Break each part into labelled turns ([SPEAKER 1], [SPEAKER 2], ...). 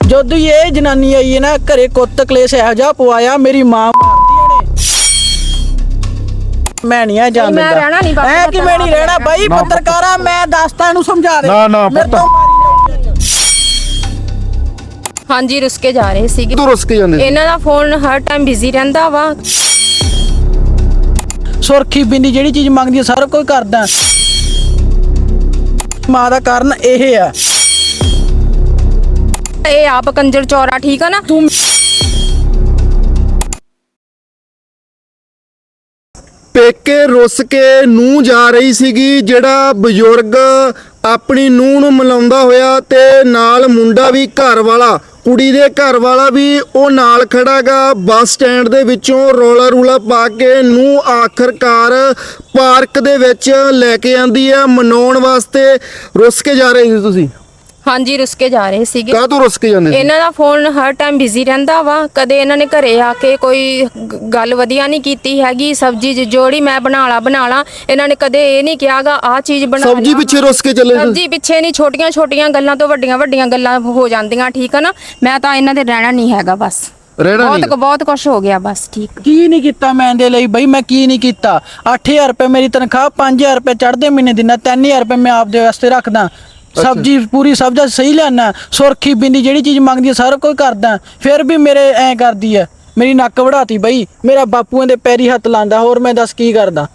[SPEAKER 1] ਜਦੋਂ ਇਹ ਜਨਾਨੀ ਆਈ ਹੈ ਨਾ ਘਰੇ ਕੁੱਤ ਕਲੇਸ਼ ਇਹੋ ਜਿਹਾ ਪਵਾਇਆ ਮੇਰੀ ਮਾਂ ਮਾਰਦੀ ਇਹਨੇ। ਮੈਂ ਨਹੀਂ ਆ ਜਾਣ ਦਿੰਦਾ ਐ ਕਿਵੇਂ ਨਹੀਂ ਰਹਿਣਾ ਬਾਈ ਪੱਤਰਕਾਰਾ ਮੈਂ ਦੱਸਦਾ ਇਹਨੂੰ ਸਮਝਾ ਦੇ
[SPEAKER 2] ਨਾ
[SPEAKER 1] ਮੇਰੇ ਤੋਂ
[SPEAKER 3] ਹਾਂਜੀ ਰੁੱਸ ਕੇ ਜਾ ਰਹੇ ਸੀਗੇ।
[SPEAKER 2] ਤੂੰ ਰੁੱਸ ਕੇ ਜਾਂਦੇ
[SPEAKER 3] ਇਹਨਾਂ ਦਾ ਫੋਨ ਹਰ ਟਾਈਮ ਬਿਜ਼ੀ ਰਹਿੰਦਾ ਵਾ।
[SPEAKER 1] ਸੁਰਖੀ ਬਿੰਦੀ ਜਿਹੜੀ ਚੀਜ਼ ਮੰਗਦੀ ਹੈ ਸਾਰਾ ਕੁਝ ਕਰਦਾ। ਮਾਂ ਦਾ ਕਾਰਨ ਇਹ ਆ
[SPEAKER 3] ਇਹ ਆਪ ਕੰਜਰ ਚੌਰਾ ਠੀਕ ਆ ਨਾ।
[SPEAKER 1] ਤੂੰ
[SPEAKER 2] ਪੇਕੇ ਰੁੱਸ ਕੇ ਨੂੰਹ ਜਾ ਰਹੀ ਸੀਗੀ, ਜਿਹੜਾ ਬਜ਼ੁਰਗ ਆਪਣੀ ਨੂੰਹ ਨੂੰ ਮਿਲਾਉਂਦਾ ਹੋਇਆ ਤੇ ਨਾਲ ਮੁੰਡਾ ਵੀ ਘਰ ਵਾਲਾ, ਕੁੜੀ ਦੇ ਘਰ ਵਾਲਾ ਵੀ ਉਹ ਨਾਲ ਖੜਾਗਾ। ਬੱਸ ਸਟੈਂਡ ਦੇ ਵਿੱਚੋਂ ਰੌਲਾ ਰੂਲਾ ਪਾ ਕੇ ਨੂੰਹ ਆਖਰਕਾਰ ਪਾਰਕ ਦੇ ਵਿੱਚ ਲੈ ਕੇ ਆਂਦੀ ਆ ਮਨਾਉਣ ਵਾਸਤੇ। ਰੁੱਸ ਕੇ ਜਾ ਰਹੇ ਸੀ ਤੁਸੀਂ?
[SPEAKER 3] ਹਾਂਜੀ ਰੁੱਸ ਕੇ ਜਾ ਰਹੇ ਸੀਗੇ।
[SPEAKER 2] ਕਾਹ ਤੋਂ ਰੁੱਸ ਕੇ ਜਾਂਦੇ ਸੀ?
[SPEAKER 3] ਇਹਨਾਂ ਦਾ ਫੋਨ ਹਰ ਟਾਈਮ ਬਿਜ਼ੀ ਰਹਿੰਦਾ ਵਾ। ਕਦੇ ਇਹਨਾਂ ਨੇ ਘਰੇ ਆ ਕੇ ਕੋਈ ਗੱਲ ਵਧੀਆ ਨਹੀਂ ਕੀਤੀ ਹੈਗੀ। ਸਬਜ਼ੀ ਜੋੜੀ ਮੈਂ ਬਣਾ ਲਾ ਇਹਨਾਂ ਨੇ ਕਦੇ ਇਹ ਨਹੀਂ ਕਿਹਾਗਾ ਆਹ ਚੀਜ਼ ਬਣਾ।
[SPEAKER 2] ਸਬਜ਼ੀ ਪਿੱਛੇ ਰੁੱਸ ਕੇ ਚੱਲੇ?
[SPEAKER 3] ਸਬਜ਼ੀ ਪਿੱਛੇ ਨਹੀਂ, ਛੋਟੀਆਂ ਗੱਲਾਂ ਤੋਂ ਵੱਡੀਆਂ ਗੱਲਾਂ ਹੋ ਜਾਂਦੀਆਂ ਠੀਕ ਆ ਨਾ। ਮੈਂ ਤਾਂ ਇਹਨਾਂ ਦੇ ਰਹਿਣਾ ਨਹੀਂ ਹੈਗਾ ਬਸ। ਬਹੁਤ ਕੁਝ ਹੋ ਗਿਆ ਬਸ। ਠੀਕ
[SPEAKER 1] ਕੀ ਨਹੀਂ ਕੀਤਾ ਮੈਂ ਇਹਦੇ ਲਈ ਬਈ, ਮੈਂ ਕੀ ਨਹੀਂ ਕੀਤਾ। 8000 ਰੁਪਏ ਮੇਰੀ ਤਨਖਾਹ, 5000 ਰੁਪਏ ਚੜ੍ਹਦੇ ਮਹੀਨੇ ਦਿਨਾ, 3000 ਰੁਪਏ ਮੈਂ ਆਪਦੇ ਵਾਸਤੇ ਰੱਖਦਾ। ਸਬਜ਼ੀ ਪੂਰੀ ਸਬਜ਼ੀ ਸਹੀ ਲਿਆਣਾ, ਸੁਰਖੀ ਬਿੰਦੀ ਜਿਹੜੀ ਚੀਜ਼ ਮੰਗਦੀ ਹੈ ਸਾਰਾ ਕੁਝ ਕਰਦਾ। ਫਿਰ ਵੀ ਮੇਰੇ ਐ ਕਰਦੀ ਹੈ, ਮੇਰੀ ਨੱਕ ਵੜਾਤੀ ਬਈ। ਮੇਰਾ ਬਾਪੂਆਂ ਦੇ ਪੈਰੀ ਹੱਥ ਲਾਂਦਾ, ਹੋਰ ਮੈਂ ਦੱਸ ਕੀ ਕਰਦਾ।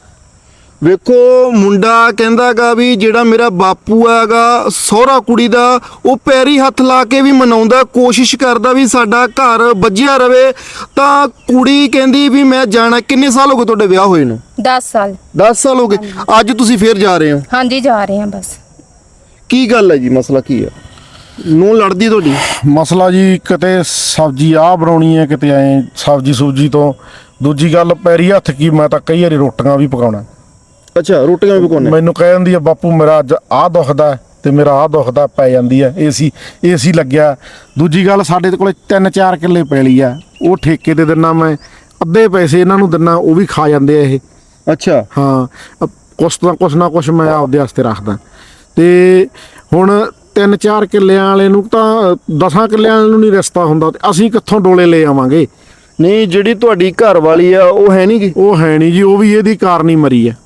[SPEAKER 2] ਵੇਖੋ ਮੁੰਡਾ ਕਹਿੰਦਾਗਾ ਵੀ ਜਿਹੜਾ ਮੇਰਾ ਬਾਪੂ ਹੈਗਾ ਸਹੁਰਾ ਕੁੜੀ ਦਾ, ਉਹ ਪੈਰੀ ਹੱਥ ਲਾ ਕੇ ਵੀ ਮਨਾਉਂਦਾ, ਕੋਸ਼ਿਸ਼ ਕਰਦਾ ਵੀ ਸਾਡਾ ਘਰ ਵੱਜਿਆ ਰਵੇ। ਤਾਂ ਕੁੜੀ ਕਹਿੰਦੀ ਵੀ ਮੈਂ ਜਾਣਾ। ਕਿੰਨੇ ਸਾਲ ਹੋ ਗਏ ਤੁਹਾਡੇ ਵਿਆਹ ਹੋਏ ਨੂੰ?
[SPEAKER 3] 10 ਸਾਲ।
[SPEAKER 2] 10 ਸਾਲ ਹੋ ਗਏ। ਅੱਜ ਤੁਸੀਂ ਫੇਰ ਜਾ ਰਹੇ ਹੋ?
[SPEAKER 3] ਹਾਂਜੀ ਜਾ ਰਹੇ ਹਾਂ ਬਸ।
[SPEAKER 2] ਕੀ ਗੱਲ ਹੈ ਜੀ? ਮਸਲਾ ਕੀ ਹੈ? ਨੂੰ ਲੜਦੀ ਤੁਹਾਡੀ?
[SPEAKER 4] ਮਸਲਾ ਜੀ ਕਿਤੇ ਸਬਜ਼ੀ ਆਹ ਬਣਾਉਣੀ ਹੈ, ਕਿਤੇ ਐ ਸਬਜ਼ੀ ਸੂਜੀ ਤੋਂ। ਦੂਜੀ ਗੱਲ ਪੈਰੀ ਹੱਥ ਕੀ, ਮੈਂ ਤਾਂ ਕਈ ਵਾਰੀ ਰੋਟੀਆਂ ਵੀ ਪਕਾਉਣਾ।
[SPEAKER 2] ਅੱਛਾ ਰੋਟੀਆਂ ਵੀ ਪਕਾਉਣੇ?
[SPEAKER 4] ਮੈਨੂੰ ਕਹਿ ਦਿੰਦੀ ਆ ਬਾਪੂ ਮੇਰਾ ਅੱਜ ਆਹ ਦੁਖਦਾ ਤੇ ਮੇਰਾ ਆਹ ਦੁਖਦਾ, ਪੈ ਜਾਂਦੀ ਆ ਏਸੀ ਲੱਗਿਆ। ਦੂਜੀ ਗੱਲ ਸਾਡੇ ਕੋਲੇ 3-4 ਕਿੱਲੇ ਪੈਲੀ ਆ, ਉਹ ਠੇਕੇ ਤੇ ਦਿੰਨਾ ਮੈਂ, ਅੱਧੇ ਪੈਸੇ ਇਹਨਾਂ ਨੂੰ ਦਿੰਨਾ, ਉਹ ਵੀ ਖਾ ਜਾਂਦੇ ਆ ਇਹ।
[SPEAKER 2] ਅੱਛਾ
[SPEAKER 4] ਹਾਂ ਕੁਛ ਨਾ ਕੁਛ ਮੈਂ ਆਪਦੇ ਵਾਸਤੇ ਰੱਖਦਾ। ਤੇ ਹੁਣ 3-4 ਕਿੱਲਿਆਂ ਵਾਲੇ ਨੂੰ ਤਾਂ 10 ਕਿੱਲਿਆਂ ਵਾਲੇ ਨੂੰ ਨਹੀਂ ਰਿਸ਼ਤਾ ਹੁੰਦਾ, ਤੇ ਅਸੀਂ ਕਿੱਥੋਂ ਡੋਲੇ ਲੈ ਆਵਾਂਗੇ?
[SPEAKER 2] ਨਹੀਂ ਜਿਹੜੀ ਤੁਹਾਡੀ ਘਰ ਵਾਲੀ ਆ ਉਹ ਹੈ ਨਹੀਂ ਗੀ?
[SPEAKER 4] ਉਹ ਹੈ ਨਹੀਂ ਜੀ, ਉਹ ਵੀ ਇਹਦੀ ਕਾਰਨ ਹੀ ਮਰੀ ਆ।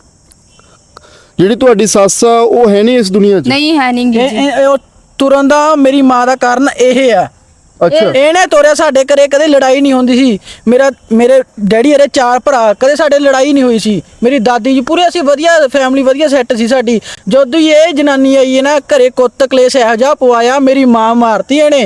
[SPEAKER 2] ਜਿਹੜੀ ਤੁਹਾਡੀ ਸੱਸ ਆ ਉਹ ਹੈ ਨਹੀਂ ਇਸ ਦੁਨੀਆ 'ਚ?
[SPEAKER 3] ਨਹੀਂ ਹੈ ਨਹੀਂ ਜੀ।
[SPEAKER 1] ਉਹ ਤੁਰਨ ਦਾ ਮੇਰੀ ਮਾਂ ਦਾ ਕਾਰਨ ਇਹ ਆ।
[SPEAKER 2] ਅੱਛਾ
[SPEAKER 1] ਇਹਨੇ ਤੋਰਿਆ। ਸਾਡੇ ਘਰੇ ਕਦੇ ਲੜਾਈ ਨਹੀਂ ਹੁੰਦੀ ਸੀ। ਮੇਰੇ ਡੈਡੀ ਹਰੇ 4 ਭਰਾ, ਕਦੇ ਸਾਡੇ ਲੜਾਈ ਨਹੀਂ ਹੋਈ ਸੀ। ਮੇਰੀ ਦਾਦੀ ਜੀ ਪੂਰੇ ਅਸੀਂ ਵਧੀਆ ਫੈਮਿਲੀ, ਵਧੀਆ ਸੈੱਟ ਸੀ ਸਾਡੀ। ਜਦੋਂ ਹੀ ਇਹ ਜਨਾਨੀ ਆਈ ਹੈ ਨਾ ਘਰੇ ਕੁੱਤ ਕਲੇਸ਼ ਇਹੋ ਜਿਹਾ ਪਵਾਇਆ ਮੇਰੀ ਮਾਂ ਮਾਰਤੀ ਇਹਨੇ।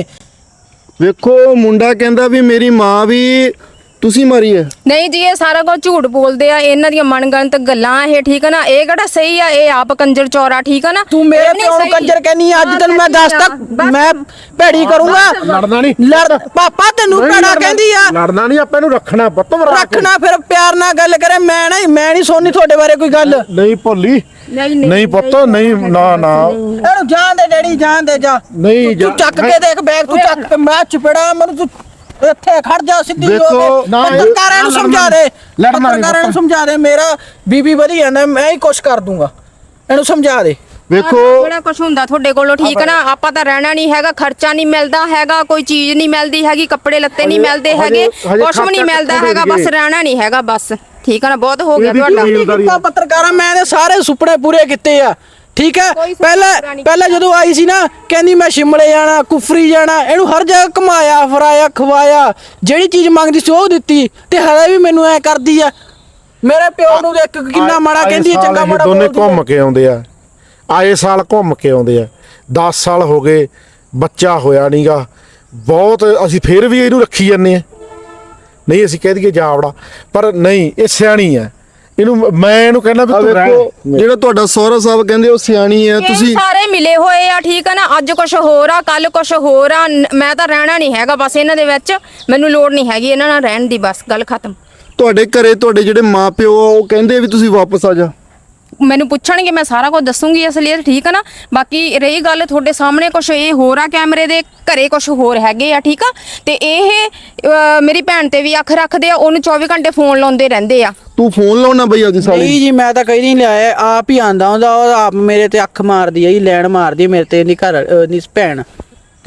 [SPEAKER 2] ਵੇਖੋ ਮੁੰਡਾ ਕਹਿੰਦਾ ਵੀ ਮੇਰੀ ਮਾਂ ਵੀ ਤੁਸੀਂ ਮਾਰੀ ਹੈ।
[SPEAKER 3] ਨਹੀਂ ਜੀ ਇਹ ਸਾਰਾ ਕੁਝ ਝੂਠ ਬੋਲਦੇ ਆ। ਇਹਨਾਂ ਦੀਆਂ ਮਨਗਣਤ ਗੱਲਾਂ ਇਹ ਠੀਕ ਆ ਨਾ। ਇਹ ਕਿਹੜਾ ਸਹੀ ਆ? ਇਹ ਆਪ ਕੰਜਰ ਚੌਰਾ ਠੀਕ ਆ ਨਾ।
[SPEAKER 1] ਤੂੰ ਮੇਰੇ ਪਿਓ ਨੂੰ ਕੰਜਰ ਕਹਿੰਨੀ ਆ। ਅੱਜ ਤੈਨੂੰ ਮੈਂ ਦੱਸਦਾ ਮੈਂ ਭੈੜੀ ਕਰੂੰਗਾ।
[SPEAKER 4] ਲੜਨਾ ਨਹੀਂ।
[SPEAKER 1] ਲੜ ਪਾਪਾ ਤੈਨੂੰ ਭੈੜਾ ਕਹਿੰਦੀ ਆ।
[SPEAKER 4] ਲੜਨਾ ਨਹੀਂ, ਆਪਾਂ ਇਹਨੂੰ ਰੱਖਣਾ ਪੁੱਤ।
[SPEAKER 1] ਰੱਖਣਾ ਫਿਰ ਪਿਆਰ ਨਾਲ ਗੱਲ ਕਰੇ। ਮੈਂ ਨਹੀਂ ਸੁਣਨੀ ਤੁਹਾਡੇ ਬਾਰੇ ਕੋਈ ਗੱਲ।
[SPEAKER 4] ਨਹੀਂ ਭੋਲੀ, ਨਹੀਂ ਪੁੱਤ, ਨਹੀਂ ਨਾ
[SPEAKER 1] ਇਹਨੂੰ ਜਾਣ ਦੇ ਡੈਡੀ, ਜਾਣ ਦੇ ਜਾ।
[SPEAKER 4] ਨਹੀਂ
[SPEAKER 1] ਤੂੰ ਚੱਕ ਕੇ ਦੇਖ ਬੈਗ, ਤੂੰ ਚੱਕ ਕੇ ਮੈਂ ਚਪੜਾ ਮੈਨੂੰ। ਤੂੰ ਇੱਥੇ ਖੜ ਜਾ ਸਿੱਧੀ ਹੋ ਕੇ। ਪੱਤਰਕਾਰਾਂ ਨੂੰ ਸਮਝਾ ਦੇ, ਪੱਤਰਕਾਰਾਂ ਨੂੰ ਸਮਝਾ ਦੇ। ਮੇਰਾ ਬੀਬੀ ਵਧੀਆ ਨਾ, ਮੈਂ ਹੀ ਕੁਛ ਕਰ ਦੂੰਗਾ। ਇਹਨੂੰ ਸਮਝਾ ਦੇ।
[SPEAKER 2] ਵੇਖੋ
[SPEAKER 3] ਬੜਾ ਕੁਝ ਹੁੰਦਾ ਤੁਹਾਡੇ ਕੋਲੋਂ ਠੀਕ ਨਾ। ਆਪਾਂ ਤਾਂ ਰਹਿਣਾ ਨਹੀਂ ਹੈਗਾ, ਖਰਚਾ ਨਹੀਂ ਮਿਲਦਾ ਹੈਗਾ, ਕੋਈ ਚੀਜ਼ ਨਹੀਂ ਮਿਲਦੀ ਹੈਗੀ, ਕੱਪੜੇ ਲੱਤੇ ਨਹੀਂ ਮਿਲਦੇ ਹੈਗੇ, ਕੁਛ ਵੀ ਨਹੀਂ ਮਿਲਦਾ ਹੈਗਾ। ਬਸ ਰਹਿਣਾ ਨਹੀਂ ਹੈਗਾ ਬਸ। ਠੀਕ ਆ ਨਾ। ਬਹੁਤ ਹੋ ਗਿਆ ਤੁਹਾਡਾ।
[SPEAKER 1] ਪੱਤਰਕਾਰਾਂ ਮੈਂ ਇਹਦੇ ਸਾਰੇ ਸੁਪਨੇ ਪੂਰੇ ਕੀਤੇ ਆ। ਠੀਕ ਹੈ। ਪਹਿਲਾਂ ਜਦੋਂ ਆਈ ਸੀ ਨਾ ਕਹਿੰਦੀ ਮੈਂ ਸ਼ਿਮਲੇ ਜਾਣਾ, ਕੁਫਰੀ ਜਾਣਾ। ਇਹਨੂੰ ਹਰ ਜਗ੍ਹਾ ਘੁਮਾਇਆ ਫਰਾਇਆ ਖਵਾਇਆ। ਜਿਹੜੀ ਚੀਜ਼ ਮੰਗਦੀ ਸੀ ਉਹ ਦਿੱਤੀ, ਤੇ ਹਲੇ ਵੀ ਮੈਨੂੰ ਐ ਕਰਦੀ ਆ। ਮੇਰੇ ਪਿਓ ਨੂੰ ਦੇਖ ਕਿੰਨਾ ਮਾੜਾ ਕਹਿੰਦੀ ਹੈ, ਚੰਗਾ ਮਾੜਾ
[SPEAKER 4] ਦੋਨੇ ਘੁੰਮ ਕੇ ਆਉਂਦੇ ਆ। ਆਏ ਸਾਲ ਘੁੰਮ ਕੇ ਆਉਂਦੇ ਆ। 10 ਸਾਲ ਹੋ ਗਏ, ਬੱਚਾ ਹੋਇਆ ਨਹੀਂਗਾ। ਬਹੁਤ ਅਸੀਂ ਫੇਰ ਵੀ ਇਹਨੂੰ ਰੱਖੀ ਜਾਂਦੇ ਆ। ਨਹੀਂ ਅਸੀਂ ਕਹਿ ਦਈਏ ਜਾਵੜਾ, ਪਰ ਨਹੀਂ, ਇਹ ਸਿਆਣੀ ਆ। ਮੈਂ ਇਹਨੂੰ ਕਹਿੰਦਾ ਵੀ ਤੂੰ ਰਹਿ।
[SPEAKER 2] ਜਿਹੜਾ ਤੁਹਾਡਾ ਸਹੁਰਾ ਸਾਹਿਬ ਕਹਿੰਦੇ ਉਹ ਸਿਆਣੀ ਹੈ, ਤੁਸੀਂ
[SPEAKER 3] ਸਾਰੇ ਮਿਲੇ ਹੋਏ ਆ ਠੀਕ ਆ ਨਾ। ਅੱਜ ਕੁਝ ਹੋਰ ਆ, ਕੱਲ ਕੁਝ ਹੋਰ ਆ। ਮੈਂ ਤਾਂ ਰਹਿਣਾ ਨਹੀਂ ਹੈਗਾ ਬਸ ਇਹਨਾਂ ਦੇ ਵਿੱਚ। ਮੈਨੂੰ ਲੋੜ ਨਹੀਂ ਹੈਗੀ ਇਹਨਾਂ ਨਾਲ ਰਹਿਣ ਦੀ, ਬਸ ਗੱਲ ਖਤਮ।
[SPEAKER 2] ਤੁਹਾਡੇ ਘਰੇ ਤੁਹਾਡੇ ਜਿਹੜੇ ਮਾਪਿਓ ਉਹ ਕਹਿੰਦੇ ਵੀ ਤੁਸੀਂ ਵਾਪਸ ਆ ਜਾ?
[SPEAKER 3] ਮੈਨੂੰ ਪੁੱਛਣਗੇ ਮੈਂ ਸਾਰਾ ਕੁਝ ਦੱਸੂਗੀ ਅਸਲੀਅਤ ਠੀਕ ਆ ਨਾ। ਬਾਕੀ ਰਹੀ ਗੱਲ ਤੁਹਾਡੇ ਸਾਹਮਣੇ ਕੁਝ ਇਹ ਹੋਰ ਆ, ਕੈਮਰੇ ਦੇ ਘਰੇ ਕੁਝ ਹੋਰ ਹੈਗੇ ਆ ਠੀਕ ਆ। ਤੇ ਇਹ ਮੇਰੀ ਭੈਣ ਤੇ ਵੀ ਅੱਖ ਰੱਖਦੇ ਆ, ਉਹਨੂੰ 24 ਘੰਟੇ ਫੋਨ ਲਾਉਂਦੇ ਰਹਿੰਦੇ ਆ।
[SPEAKER 2] ਤੂੰ ਫੋਨ ਲਾਉਣਾ ਬਈ ਆਦੀ ਸਾਲੀ?
[SPEAKER 1] ਨਹੀਂ ਜੀ ਮੈਂ ਤਾਂ ਕਹੀ ਨਹੀਂ ਲਿਆਇਆ, ਆਪ ਹੀ ਆਂਦਾ ਹੁੰਦਾ। ਉਹ ਆਪ ਮੇਰੇ ਤੇ ਅੱਖ ਮਾਰਦੀ ਆ ਜੀ, ਲੈਣ ਮਾਰਦੀ ਮੇਰੇ ਤੇ। ਇਹਦੀ ਘਰ ਦੀ ਭੈਣ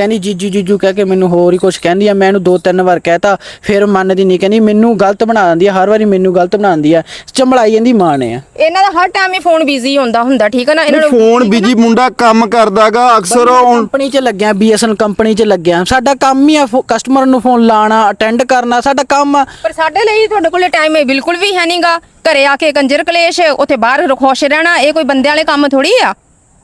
[SPEAKER 1] ਕਹਿੰਦੀ ਜੀਜੂ ਜੀਜੂ ਕਹਿ ਕੇ ਮੈਨੂੰ ਹੋਰ ਹੀ ਕੁਝ ਕਹਿੰਦੀ ਆ। ਮੈਂ ਇਹਨੂੰ 2-3 ਵਾਰ ਕਹਿਤਾ, ਫਿਰ ਮੰਨਦੀ ਨਹੀਂ, ਕਹਿੰਦੀ ਮੈਨੂੰ ਗਲਤ ਬਣਾ ਦਿੰਦੀ ਆ, ਹਰ ਵਾਰੀ ਮੈਨੂੰ ਗਲਤ ਬਣਾਉਂਦੀ ਆ, ਚੰਬੜਾਈ ਜਾਂਦੀ ਮਾਂ ਨੇ ਆ।
[SPEAKER 3] ਇਹਨਾਂ ਦਾ ਹਰ ਟਾਈਮ ਹੀ ਫੋਨ ਬਿਜ਼ੀ ਹੁੰਦਾ ਠੀਕ ਹੈ ਨਾ। ਇਹਨਾਂ ਨੂੰ
[SPEAKER 2] ਫੋਨ ਬਿਜੀ ਮੁੰਡਾ ਕੰਮ ਕਰਦਾਗਾ ਅਕਸਰ ਉਹ
[SPEAKER 1] ਕੰਪਨੀ 'ਚ ਲੱਗਿਆ, BSNL ਕੰਪਨੀ 'ਚ ਲੱਗਿਆ। ਸਾਡਾ ਕੰਮ ਹੀ ਆ ਕਸਟਮਰ ਨੂੰ ਫੋਨ ਲਾਣਾ, ਅਟੈਂਡ ਕਰਨਾ, ਸਾਡਾ ਕੰਮ ਆ।
[SPEAKER 3] ਪਰ ਸਾਡੇ ਲਈ ਤੁਹਾਡੇ ਕੋਲੇ ਟਾਈਮ ਹੈ ਬਿਲਕੁਲ ਵੀ ਹੈ ਨਹੀਂਗਾ। ਘਰੇ ਆ ਕੇ ਕੰਜਰ ਕਲੇਸ਼, ਉੱਥੇ ਬਾਹਰ ਖੁਸ਼ ਰਹਿਣਾ, ਇਹ ਕੋਈ ਬੰਦੇ ਵਾਲੇ ਕੰਮ ਥੋੜੀ ਆ।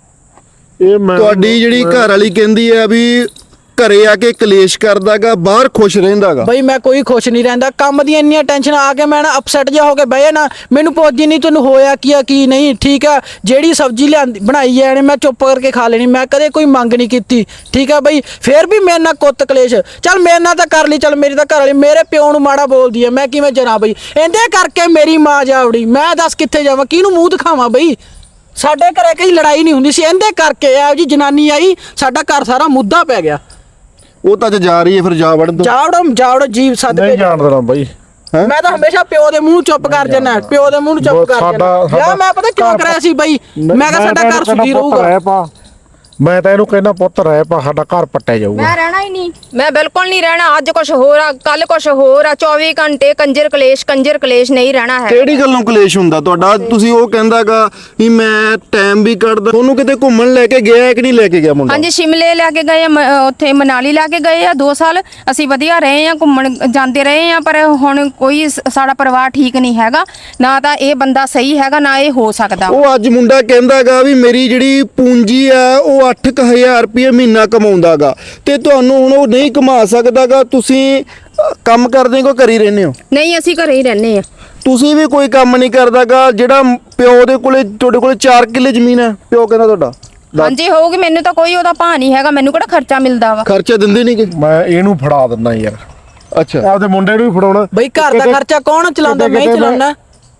[SPEAKER 4] ਇਹ ਮੈਂ
[SPEAKER 2] ਤੁਹਾਡੀ ਜਿਹੜੀ ਘਰ ਵਾਲੀ ਕਹਿੰਦੀ ਆ ਵੀ ਘਰੇ ਆ ਕੇ ਕਲੇਸ਼ ਕਰਦਾਗਾ, ਬਾਹਰ ਖੁਸ਼ ਰਹਿੰਦਾਗਾ।
[SPEAKER 1] ਬਈ ਮੈਂ ਕੋਈ ਖੁਸ਼ ਨਹੀਂ ਰਹਿੰਦਾ, ਕੰਮ ਦੀਆਂ ਇੰਨੀਆਂ ਟੈਨਸ਼ਨ ਆ ਕੇ ਮੈਂ ਨਾ ਅਪਸੈਟ ਜਿਹਾ ਹੋ ਕੇ ਬਹਿ ਜਾਣਾ। ਮੈਨੂੰ ਪੁੱਛਦੀ ਨਹੀਂ ਤੈਨੂੰ ਹੋਇਆ ਕੀ ਆ ਕੀ ਨਹੀਂ, ਠੀਕ ਆ। ਜਿਹੜੀ ਸਬਜ਼ੀ ਲਿਆਂਦੀ ਬਣਾਈ ਜਾਣੇ ਮੈਂ ਚੁੱਪ ਕਰਕੇ ਖਾ ਲੈਣੀ, ਮੈਂ ਕਦੇ ਕੋਈ ਮੰਗ ਨਹੀਂ ਕੀਤੀ, ਠੀਕ ਆ ਬਈ। ਫੇਰ ਵੀ ਮੇਰੇ ਨਾਲ ਕੁੱਤ ਕਲੇਸ਼, ਚੱਲ ਮੇਰੇ ਨਾਲ ਤਾਂ ਕਰ ਲਈ, ਚੱਲ ਮੇਰੀ ਤਾਂ ਘਰ ਵਾਲੀ ਮੇਰੇ ਪਿਓ ਨੂੰ ਮਾੜਾ ਬੋਲਦੀ ਆ, ਮੈਂ ਕਿਵੇਂ ਜਰਾਂ ਬਈ। ਇਹਦੇ ਕਰਕੇ ਮੇਰੀ ਮਾਂ ਜਾਵੜੀ, ਮੈਂ ਦੱਸ ਕਿੱਥੇ ਜਾਵਾਂ, ਕਿਹਨੂੰ ਮੂੰਹ ਦਿਖਾਵਾਂ ਬਈ। ਸਾਡੇ ਘਰੇ ਕਈ ਲੜਾਈ ਨਹੀਂ ਹੁੰਦੀ ਸੀ, ਇਹਦੇ ਕਰਕੇ ਇਹੋ ਜੀ ਜਨਾਨੀ ਆਈ, ਸਾਡਾ ਘਰ ਸਾਰਾ ਮੁੱਦਾ ਪੈ ਗਿਆ।
[SPEAKER 2] ਉਹ ਤਾਂ ਅੱਜ ਜਾ ਰਹੀ ਹੈ, ਫਿਰ ਜਾ ਵੜਨ ਦੋ।
[SPEAKER 1] ਜਾਵੜੋ ਜੀਵ ਸੱਦ
[SPEAKER 4] ਨਹੀਂ
[SPEAKER 1] ਕੇ
[SPEAKER 4] ਜਾਣ ਦੇਣਾ ਬਾਈ।
[SPEAKER 1] ਮੈਂ ਤਾਂ ਹਮੇਸ਼ਾ ਪਿਓ ਦੇ ਮੂੰਹ ਚੁੱਪ ਕਰ ਜਾਣਾ, ਪਿਓ ਦੇ ਮੂੰਹ ਨੂੰ ਚੁੱਪ ਕਰ ਜਾਣਾ। ਯਾ ਮੈਂ ਪਤਾ ਕਿਉਂ ਕਰਿਆ ਸੀ ਬਈ, ਮੈਂ ਕਿਹਾ ਸਾਡਾ ਘਰ ਸੁਖੀ ਰਹੂਗਾ।
[SPEAKER 4] ਮੈਂ ਤਾਂ ਇਹਨੂੰ ਕਹਿੰਦਾ ਪੁੱਤ ਰਹਿ ਪਾ, ਸਾਡਾ ਘਰ ਪੱਟਿਆ ਜਾਊਗਾ।
[SPEAKER 3] ਮੈਂ ਰਹਿਣਾ ਹੀ ਨਹੀਂ, ਮੈਂ ਬਿਲਕੁਲ ਨਹੀਂ ਰਹਿਣਾ। ਅੱਜ ਕੁਝ ਹੋਰ ਆ, ਕੱਲ ਕੁਝ ਹੋਰ ਆ, 24 ਘੰਟੇ ਕੰਜਰ ਕਲੇਸ਼ ਨਹੀਂ ਰਹਿਣਾ ਹੈ।
[SPEAKER 2] ਕਿਹੜੀ ਗੱਲੋਂ ਕਲੇਸ਼ ਹੁੰਦਾ ਤੁਹਾਡਾ? ਤੁਸੀਂ ਉਹ ਕਹਿੰਦਾਗਾ ਵੀ ਮੈਂ ਟਾਈਮ ਵੀ ਕੱਢਦਾ। ਤੁਹਾਨੂੰ ਕਿਤੇ ਘੁੰਮਣ ਲੈ ਕੇ ਗਿਆ ਕਿ ਨਹੀਂ ਲੈ ਕੇ ਗਿਆ ਮੁੰਡਾ?
[SPEAKER 3] ਹਾਂਜੀ, ਸ਼ਿਮਲੇ ਲੈ ਕੇ ਗਏ ਆ, ਉੱਥੇ ਮਨਾਲੀ ਲੈ ਕੇ ਗਏ ਆ। 2 ਸਾਲ ਅਸੀਂ ਵਧੀਆ ਰਹੇ ਆ, ਘੁੰਮਣ ਜਾਂਦੇ ਰਹੇ ਆ। ਪਰ ਹੁਣ ਕੋਈ ਸਾਡਾ ਪਰਿਵਾਰ ਠੀਕ ਨਹੀਂ ਹੈਗਾ, ਨਾ ਤਾਂ ਇਹ ਬੰਦਾ ਸਹੀ ਹੈਗਾ, ਨਾ ਇਹ ਹੋ ਸਕਦਾ।
[SPEAKER 2] ਉਹ ਅੱਜ ਮੁੰਡਾ ਕਹਿੰਦਾਗਾ ਵੀ ਮੇਰੀ ਜਿਹੜੀ ਪੂੰਜੀ ਆ ਉਹ 8000 ਰੁਪਏ ਮਹੀਨਾ ਕਮਾਉਂਦਾਗਾ ਤੇ ਤੁਹਾਨੂੰ ਹੁਣ ਉਹ ਨਹੀਂ ਕਮਾ ਸਕਦਾਗਾ। ਤੁਸੀਂ ਕੰਮ ਕਰਦੇ ਹੋ, ਘਰ ਹੀ ਰਹਿੰਦੇ ਹੋ?
[SPEAKER 3] ਨਹੀਂ, ਅਸੀਂ ਘਰੇ ਹੀ ਰਹਿੰਦੇ ਆ।
[SPEAKER 2] ਤੁਸੀਂ ਵੀ ਕੋਈ ਕੰਮ ਨਹੀਂ ਕਰਦਾਗਾ? ਜਿਹੜਾ ਪਿਓ ਦੇ ਕੋਲੇ, ਤੁਹਾਡੇ ਕੋਲੇ 4 ਕਿੱਲੇ ਜ਼ਮੀਨ ਹੈ, ਪਿਓ ਕਹਿੰਦਾ ਤੁਹਾਡਾ
[SPEAKER 3] ਹਾਂਜੀ ਹੋਊਗੀ। ਮੈਨੂੰ ਤਾਂ ਕੋਈ ਉਹਦਾ ਭਾਅ ਨਹੀਂ ਹੈਗਾ, ਮੈਨੂੰ ਕਿਹੜਾ ਖਰਚਾ ਮਿਲਦਾ ਵਾ।
[SPEAKER 2] ਖਰਚਾ ਦਿੰਦੇ ਨਹੀਂ ਕਿ?
[SPEAKER 4] ਮੈਂ ਇਹਨੂੰ ਫੜਾ ਦਿੰਦਾ ਯਾਰ,
[SPEAKER 2] ਅੱਛਾ,
[SPEAKER 4] ਆਪਦੇ ਮੁੰਡੇ ਨੂੰ ਵੀ ਫੜਾਉਣਾ।
[SPEAKER 1] ਬਈ ਘਰ ਦਾ ਖਰਚਾ ਕੌਣ ਚਲਾਉਂਦਾ? ਮੈਂ ਹੀ ਚਲਾਉਣਾ।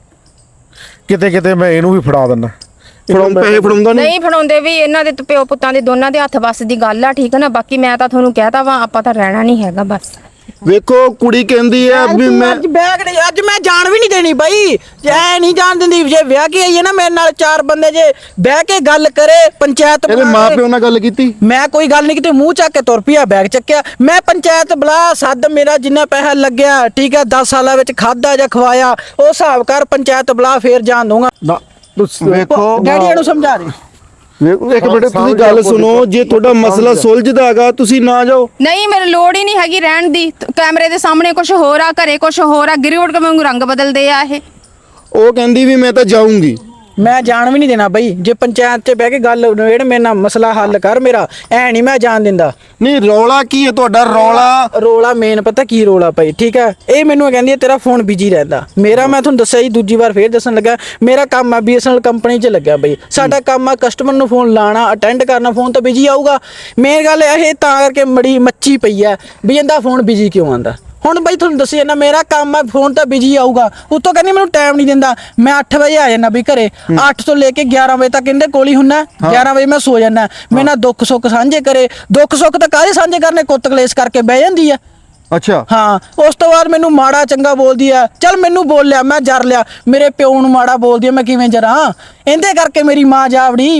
[SPEAKER 4] ਕਿਤੇ ਮੈਂ ਇਹਨੂੰ ਵੀ ਫੜਾ ਦਿੰਦਾ।
[SPEAKER 2] ਪੈਸੇ ਫੜਾਉਂਦਾ
[SPEAKER 3] ਨਹੀਂ ਫੜਾਉਂਦੇ ਵੀ, ਇਹਨਾਂ ਦੇ ਪਿਓ ਪੁੱਤਾਂ ਦੇ ਦੋਨਾਂ ਦੇ ਹੱਥ ਵੱਸ ਦੀ ਗੱਲ ਆ, ਠੀਕ ਹੈ ਨਾ। ਬਾਕੀ ਮੈਂ ਤਾਂ ਤੁਹਾਨੂੰ ਕਹਿਤਾ ਵਾ, ਆਪਾਂ ਤਾਂ ਰਹਿਣਾ ਨਹੀਂ ਹੈਗਾ ਬਸ।
[SPEAKER 2] ਵੇਖੋ ਕੁੜੀ ਕਹਿੰਦੀ ਆ ਵੀ ਮੈਂ
[SPEAKER 1] ਅੱਜ ਮੈਂ ਜਾਣ ਵੀ ਨਹੀਂ ਦੇਣੀ ਬਈ, ਐ ਨਹੀਂ ਜਾਣ ਦਿੰਦੀ। ਜੇ ਵਿਆਹ ਕੇ ਆਈ ਹੈ ਨਾ ਮੇਰੇ ਨਾਲ 4 ਬੰਦੇ, ਜੇ ਬਹਿ ਕੇ ਗੱਲ ਕਰੇ ਪੰਚਾਇਤ
[SPEAKER 2] ਇਹਦੇ
[SPEAKER 1] ਬੁਲਾ
[SPEAKER 2] ਮਾਂ
[SPEAKER 1] ਕੇ।
[SPEAKER 2] ਪਿਓ ਨਾਲ ਗੱਲ ਕੀਤੀ?
[SPEAKER 1] ਮੈਂ ਕੋਈ ਗੱਲ ਨਹੀਂ ਕੀਤੀ, ਮੂੰਹ ਚੱਕ ਕੇ ਤੁਰ ਪਿਆ, ਬੈਗ ਚੱਕਿਆ। ਮੈਂ ਪੰਚਾਇਤ ਬੁਲਾ ਸੱਦ, ਮੇਰਾ ਜਿੰਨਾ ਪੈਸਾ ਲੱਗਿਆ, ਠੀਕ ਹੈ, 10 ਸਾਲਾਂ ਵਿੱਚ ਖਾਦਾ ਜਾਂ ਖਵਾਇਆ, ਉਹ ਹਿਸਾਬ ਕਰ, ਪੰਚਾਇਤ ਬੁਲਾ, ਫੇਰ ਜਾਣ ਦੂੰਗਾ।
[SPEAKER 4] ਨਾ
[SPEAKER 2] ਵੇਖੋ
[SPEAKER 1] ਡੈਡੀ ਨੂੰ ਸਮਝਾ ਦੇ।
[SPEAKER 2] ਇੱਕ ਮਿੰਟ ਤੁਸੀਂ ਗੱਲ ਸੁਣੋ, ਜੇ ਤੁਹਾਡਾ ਮਸਲਾ ਸੁਲਝਦਾਗਾ ਤੁਸੀਂ ਨਾ ਜਾਓ।
[SPEAKER 3] ਨਹੀਂ, ਮੈਨੂੰ ਲੋੜ ਹੀ ਨਹੀਂ ਹੈਗੀ ਰਹਿਣ ਦੀ। ਕੈਮਰੇ ਦੇ ਸਾਹਮਣੇ ਕੁਝ ਹੋਰ ਆ, ਘਰੇ ਕੁਝ ਹੋਰ ਆ, ਗਿਰੀਵਟ ਕੇ ਵਾਂਗੂ ਰੰਗ ਬਦਲਦੇ ਆ ਇਹ।
[SPEAKER 2] ਉਹ ਕਹਿੰਦੀ ਵੀ ਮੈਂ ਤਾਂ ਜਾਊਂਗੀ।
[SPEAKER 1] ਮੈਂ ਜਾਣ ਵੀ ਨਹੀਂ ਦੇਣਾ ਬਈ। ਜੇ ਪੰਚਾਇਤ 'ਚ ਬਹਿ ਕੇ ਗੱਲ ਨਵੇੜ, ਮੇਰੇ ਨਾਲ ਮਸਲਾ ਹੱਲ ਕਰ ਮੇਰਾ, ਐ ਨਹੀਂ ਮੈਂ ਜਾਣ ਦਿੰਦਾ।
[SPEAKER 2] ਨਹੀਂ ਰੌਲਾ ਕੀ ਹੈ ਤੁਹਾਡਾ?
[SPEAKER 1] ਰੌਲਾ ਮੇਨ ਪਤਾ ਕੀ ਰੌਲਾ ਪਈ, ਠੀਕ ਹੈ। ਇਹ ਮੈਨੂੰ ਕਹਿੰਦੀ ਹੈ ਤੇਰਾ ਫੋਨ ਬਿਜੀ ਰਹਿੰਦਾ। ਮੇਰਾ, ਮੈਂ ਤੁਹਾਨੂੰ ਦੱਸਿਆ ਜੀ, ਦੂਜੀ ਵਾਰ ਫੇਰ ਦੱਸਣ ਲੱਗਾ, ਮੇਰਾ ਕੰਮ ਆ BSNL ਕੰਪਨੀ 'ਚ ਲੱਗਿਆ ਬਈ। ਸਾਡਾ ਕੰਮ ਆ ਕਸਟਮਰ ਨੂੰ ਫੋਨ ਲਾਣਾ, ਅਟੈਂਡ ਕਰਨਾ, ਫੋਨ ਤਾਂ ਬਿਜੀ ਆਊਗਾ। ਮੇਨ ਗੱਲ ਇਹ ਤਾਂ ਕਰਕੇ ਮੜੀ ਮੱਚੀ ਪਈ ਹੈ ਵੀ ਇਹਦਾ ਫੋਨ ਬਿਜੀ ਕਿਉਂ ਆਉਂਦਾ। ਹੁਣ ਬਈ ਤੁਹਾਨੂੰ ਦੱਸਿਆ ਨਾ, ਮੇਰਾ ਕੰਮ ਆ, ਫੋਨ ਤਾਂ ਬਿਜੀ ਆਊਗਾ। ਉੱਤੋਂ ਕਹਿੰਦੀ ਮੈਨੂੰ ਟਾਈਮ ਨਹੀਂ ਦਿੰਦਾ। ਮੈਂ 8 ਵਜੇ ਆ ਜਾਣਾ ਵੀ ਘਰੇ, 8 ਤੋਂ ਲੈ ਕੇ 11 ਵਜੇ ਤੱਕ ਇਹਦੇ ਕੋਲ ਹੀ ਹੁੰਨਾ। 11 ਵਜੇ ਮੈਂ ਸੋ ਜਾਣਾ। ਮੇਰੇ ਨਾਲ ਦੁੱਖ ਸੁੱਖ ਸਾਂਝੇ ਕਰੇ, ਦੁੱਖ ਸੁੱਖ ਤਾਂ ਕਾਹਦੇ ਸਾਂਝੇ ਕਰਨੇ, ਕੁੱਤ ਕਲੇਸ਼ ਕਰਕੇ ਬਹਿ ਜਾਂਦੀ ਆ।
[SPEAKER 2] ਅੱਛਾ,
[SPEAKER 1] ਹਾਂ, ਉਸ ਤੋਂ ਬਾਅਦ ਮੈਨੂੰ ਮਾੜਾ ਚੰਗਾ ਬੋਲਦੀ ਆ। ਚੱਲ ਮੈਨੂੰ ਬੋਲ ਲਿਆ, ਮੈਂ ਜਰ ਲਿਆ। ਮੇਰੇ ਪਿਓ ਨੂੰ ਮਾੜਾ ਬੋਲਦੀ ਆ, ਮੈਂ ਕਿਵੇਂ ਜਰਾਂ? ਇਹਦੇ ਕਰਕੇ ਮੇਰੀ ਮਾਂ ਜਾਵੜੀ।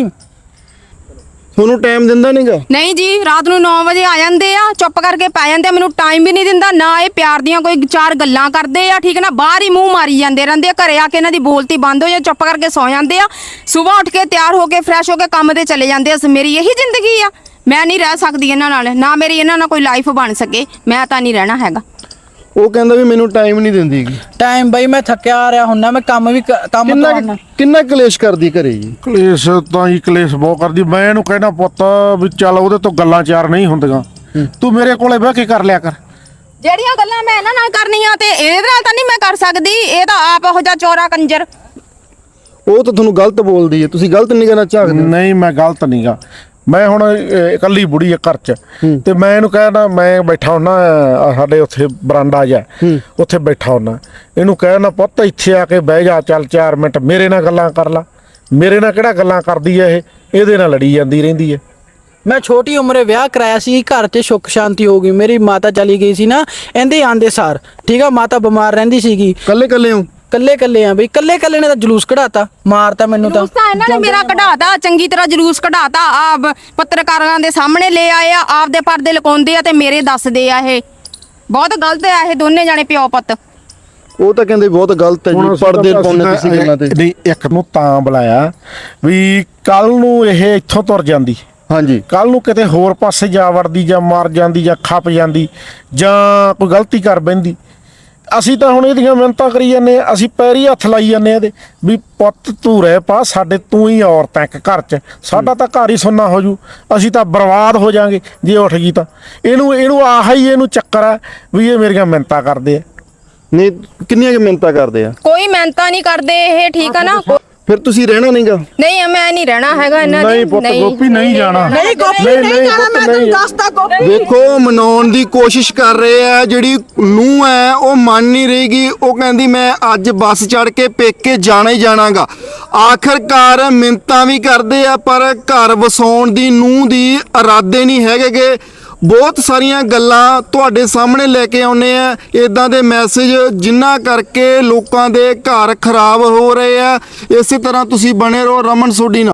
[SPEAKER 2] ਤੁਹਾਨੂੰ ਟਾਈਮ ਦਿੰਦਾ ਨਹੀਂਗਾ?
[SPEAKER 3] ਨਹੀਂ ਜੀ, ਰਾਤ ਨੂੰ 9 ਵਜੇ ਆ ਜਾਂਦੇ ਆ, ਚੁੱਪ ਕਰਕੇ ਪੈ ਜਾਂਦੇ ਆ। ਮੈਨੂੰ ਟਾਈਮ ਵੀ ਨਹੀਂ ਦਿੰਦਾ, ਨਾ ਇਹ ਪਿਆਰ ਦੀਆਂ ਕੋਈ 4 ਗੱਲਾਂ ਕਰਦੇ ਆ, ਠੀਕ ਨਾ। ਬਾਹਰ ਹੀ ਮੂੰਹ ਮਾਰੀ ਜਾਂਦੇ ਰਹਿੰਦੇ ਆ। ਘਰੇ ਆ ਕੇ ਇਹਨਾਂ ਦੀ ਬੋਲਤੀ ਬੰਦ ਹੋ ਜਾ, ਚੁੱਪ ਕਰਕੇ ਸੌ ਜਾਂਦੇ ਆ। ਸਵੇਰ ਉੱਠ ਕੇ ਤਿਆਰ ਹੋ ਕੇ ਫਰੈਸ਼ ਹੋ ਕੇ ਕੰਮ ਤੇ ਚਲੇ ਜਾਂਦੇ ਆ। ਮੇਰੀ ਇਹੀ ਜ਼ਿੰਦਗੀ ਆ। ਮੈਂ ਨਹੀਂ ਰਹਿ ਸਕਦੀ ਇਹਨਾਂ ਨਾਲ, ਨਾ ਮੇਰੀ ਇਹਨਾਂ ਨਾਲ ਕੋਈ ਲਾਈਫ ਬਣ ਸਕੇ। ਮੈਂ ਤਾਂ ਨਹੀਂ ਰਹਿਣਾ ਹੈਗਾ।
[SPEAKER 2] ਉਹ ਕਹਿੰਦਾ ਵੀ ਮੈਨੂੰ ਟਾਈਮ ਨਹੀਂ ਦਿੰਦੀਗੀ।
[SPEAKER 1] ਟਾਈਮ ਬਈ ਮੈਂ ਥੱਕਿਆ ਆ ਰਿਹਾ ਹੁੰਨਾ, ਮੈਂ ਕੰਮ ਕਰਨਾ।
[SPEAKER 2] ਕਿੰਨਾ ਕਲੇਸ਼ ਕਰਦੀ ਘਰੇ ਜੀ?
[SPEAKER 4] ਕਲੇਸ਼ ਤਾਂ ਹੀ ਕਲੇਸ਼ ਬਹੁਤ ਕਰਦੀ। ਮੈਂ ਇਹਨੂੰ ਕਹਿਣਾ ਪੁੱਤ ਵੀ ਚੱਲ ਉਹਦੇ ਤੋਂ ਗੱਲਾਂ 4 ਨਹੀਂ ਹੁੰਦੀਆਂ, ਤੂੰ ਮੇਰੇ ਕੋਲੇ ਬਹਿ ਕੇ ਕਰ ਲਿਆ ਕਰ।
[SPEAKER 3] ਜਿਹੜੀਆਂ ਗੱਲਾਂ ਮੈਂ ਇਹਨਾਂ ਨਾਲ ਕਰਨੀਆਂ ਤੇ ਇਹਦੇ ਨਾਲ ਤਾਂ ਨਹੀਂ ਮੈਂ ਕਰ ਸਕਦੀ। ਇਹ ਤਾਂ ਆਪ ਇਹੋ ਜਿਹਾ ਚੋਰਾ ਕੰਜਰ।
[SPEAKER 2] ਉਹ ਤਾਂ ਤੁਹਾਨੂੰ ਗਲਤ ਬੋਲਦੀ ਹੈ, ਤੁਸੀਂ ਗਲਤ ਨਹੀਂ ਕਹਿਣਾ ਚਾਹਦੇ?
[SPEAKER 4] ਨਹੀਂ, ਮੈਂ ਗਲਤ ਨਹੀਂਗਾ। ਮੈਂ ਹੁਣ ਇਕੱਲੀ ਬੁੜੀ ਆ ਘਰ 'ਚ, ਤੇ ਮੈਂ ਇਹਨੂੰ ਕਹਿਣਾ, ਮੈਂ ਬੈਠਾ ਹੁੰਨਾ ਸਾਡੇ ਉੱਥੇ ਬਰਾਂਡਾ ਜਾ, ਉੱਥੇ ਬੈਠਾ ਹੁੰਨਾ। ਇਹਨੂੰ ਕਹਿਣਾ ਪੁੱਤ ਇੱਥੇ ਆ ਕੇ ਬਹਿ ਜਾ, ਚੱਲ 4 ਮਿੰਟ ਮੇਰੇ ਨਾਲ ਗੱਲਾਂ ਕਰ ਲਾ। ਮੇਰੇ ਨਾਲ ਕਿਹੜਾ ਗੱਲਾਂ ਕਰਦੀ ਹੈ ਇਹ, ਇਹਦੇ ਨਾਲ ਲੜੀ ਜਾਂਦੀ ਰਹਿੰਦੀ ਹੈ।
[SPEAKER 1] ਮੈਂ ਛੋਟੀ ਉਮਰੇ ਵਿਆਹ ਕਰਾਇਆ ਸੀ, ਘਰ 'ਚ ਸੁੱਖ ਸ਼ਾਂਤੀ ਹੋ ਗਈ। ਮੇਰੀ ਮਾਤਾ ਚਲੀ ਗਈ ਸੀ ਨਾ, ਇਹਦੇ ਆਂਦੇ ਸਾਰ, ਠੀਕ ਆ। ਮਾਤਾ ਬਿਮਾਰ ਰਹਿੰਦੀ ਸੀਗੀ।
[SPEAKER 2] ਕੱਲੇ ਹੋ?
[SPEAKER 1] ਕੱਲੇ ਆ ਬਈ, ਕੱਲੇ ਨੇ ਤਾਂ ਜਲੂਸ ਕਢਾਤਾ, ਮਾਰਤਾ ਮੈਨੂੰ ਤਾਂ।
[SPEAKER 3] ਜਲੂਸ ਤਾਂ ਇਹਨਾਂ ਨੇ ਮੇਰਾ ਕਢਾਤਾ, ਚੰਗੀ ਤਰ੍ਹਾਂ ਜਲੂਸ ਕਢਾਤਾ। ਆ ਪੱਤਰਕਾਰਾਂ ਦੇ ਸਾਹਮਣੇ ਲੈ ਆਏ ਆ, ਆਪਦੇ ਪਰਦੇ ਲਕਾਉਂਦੇ ਆ ਤੇ ਮੇਰੇ ਦੱਸਦੇ ਆ। ਇਹ ਬਹੁਤ ਗਲਤ ਆ, ਇਹ ਦੋਨੇ ਜਾਣੇ ਪਿਓ ਪੁੱਤ।
[SPEAKER 2] ਉਹ ਤਾਂ ਕਹਿੰਦੇ ਬਹੁਤ ਗਲਤ ਹੈ
[SPEAKER 4] ਹੁਣ
[SPEAKER 2] ਜੀ,
[SPEAKER 4] ਅਸੀਂ
[SPEAKER 2] ਪਰਦੇ
[SPEAKER 4] ਤਾਂ-
[SPEAKER 2] ਪਾਉਂਦੇ
[SPEAKER 4] ਅਸੀਂ
[SPEAKER 2] ਤੁਸੀਂ ਗੱਲਾਂ ਤੇ।
[SPEAKER 4] ਨਹੀਂ, ਇੱਕ ਨੂੰ ਤਾਂ ਬੁਲਾਇਆ ਵੀ ਕੱਲ ਨੂੰ ਇਹ ਇੱਥੋਂ ਤੁਰ ਜਾਂਦੀ,
[SPEAKER 2] ਹਾਂਜੀ
[SPEAKER 4] ਕੱਲ ਨੂੰ ਕਿਤੇ ਹੋਰ ਪਾਸੇ ਜਾ ਵੜਦੀ ਜਾਂ ਮਰ ਜਾਂਦੀ ਜਾਂ ਖੱਪ ਜਾਂਦੀ ਜਾਂ ਕੋਈ ਗਲਤੀ ਕਰ ਬੈਂਦੀ। ਅਸੀਂ ਤਾਂ ਹੁਣ ਇਹਦੀਆਂ ਮਿਹਨਤਾਂ ਕਰੀ ਜਾਂਦੇ ਹਾਂ, ਅਸੀਂ ਪੈਰੀ ਹੱਥ ਲਾਈ ਜਾਂਦੇ ਹਾਂ ਇਹਦੇ ਵੀ ਪੁੱਤ ਤੂੰ ਰਹਿ ਪਾ ਸਾਡੇ, ਤੂੰ ਹੀ ਔਰਤ ਹੈ ਇੱਕ ਘਰ 'ਚ, ਸਾਡਾ ਤਾਂ ਘਰ ਹੀ ਸੁੰਨਾ ਹੋ ਜੂ, ਅਸੀਂ ਤਾਂ ਬਰਬਾਦ ਹੋ ਜਾਾਂਗੇ ਜੇ ਉੱਠ ਗਈ ਤਾਂ। ਇਹਨੂੰ ਆਹ ਹੀ ਇਹਨੂੰ ਚੱਕਰ ਹੈ ਵੀ ਇਹ ਮੇਰੀਆਂ ਮਿਹਨਤਾਂ ਕਰਦੇ ਆ।
[SPEAKER 2] ਨਹੀਂ, ਕਿੰਨੀਆਂ ਕਿ ਮਿਹਨਤਾਂ ਕਰਦੇ ਆ?
[SPEAKER 3] ਕੋਈ ਮਿਹਨਤਾਂ ਨਹੀਂ ਕਰਦੇ ਇਹ, ਠੀਕ ਆ ਨਾ।
[SPEAKER 2] ਫਿਰ ਤੁਸੀਂ ਰਹਿਣਾ ਨਹੀਂਗਾ?
[SPEAKER 3] ਨਹੀਂ, ਮੈਂ ਨਹੀਂ ਰਹਿਣਾ ਹੈਗਾ ਇਹਨਾਂ ਦੀ।
[SPEAKER 4] ਨਹੀਂ ਪੁੱਤ, ਗੋਪੀ ਨਹੀਂ ਜਾਣਾ।
[SPEAKER 1] ਨਹੀਂ ਗੋਪੀ
[SPEAKER 4] ਨਹੀਂ,
[SPEAKER 1] ਨਹੀਂ
[SPEAKER 4] ਨਹੀਂ
[SPEAKER 1] ਜਾਣਾ,
[SPEAKER 4] ਪੁੱਤ,
[SPEAKER 1] ਮੈਂ ਤੈਨੂੰ
[SPEAKER 4] ਨਹੀਂ।
[SPEAKER 1] ਦੱਸਦਾ ਗੋਪੀ।
[SPEAKER 2] ਦੇਖੋ, ਮਨਾਉਣ ਦੀ ਕੋਸ਼ਿਸ਼ ਕਰ ਰਹੇ ਆ, ਜਿਹੜੀ ਨੂੰਹ ਹੈ ਉਹ ਮੰਨ ਨਹੀਂ ਰਹੀਗੀ। ਉਹ ਕਹਿੰਦੀ ਮੈਂ ਅੱਜ ਬੱਸ ਚੜ ਕੇ ਪੇਕੇ ਜਾਣਾ ਹੀ ਜਾਣਾਗਾ। ਆਖਰਕਾਰ ਮਿੰਨਤਾਂ ਵੀ ਕਰਦੇ ਆ, ਪਰ ਘਰ ਵਸਾਉਣ ਦੀ ਨੂੰਹ ਦੀ ਇਰਾਦੇ ਨਹੀਂ ਹੈਗੇਗੇ। ਬਹੁਤ ਸਾਰੀਆਂ ਗੱਲਾਂ ਤੁਹਾਡੇ ਸਾਹਮਣੇ ਲੈ ਕੇ ਆਉਨੇ ਆ, ਇਦਾਂ ਦੇ ਮੈਸੇਜ ਜਿਨ੍ਹਾਂ ਕਰਕੇ ਲੋਕਾਂ ਦੇ ਘਰ ਖਰਾਬ ਹੋ ਰਹੇ ਆ। ਇਸੇ ਤਰ੍ਹਾਂ ਤੁਸੀਂ ਬਣੇ ਰਹੋ ਰਮਨ ਸੋਢੀ ਨਾਲ।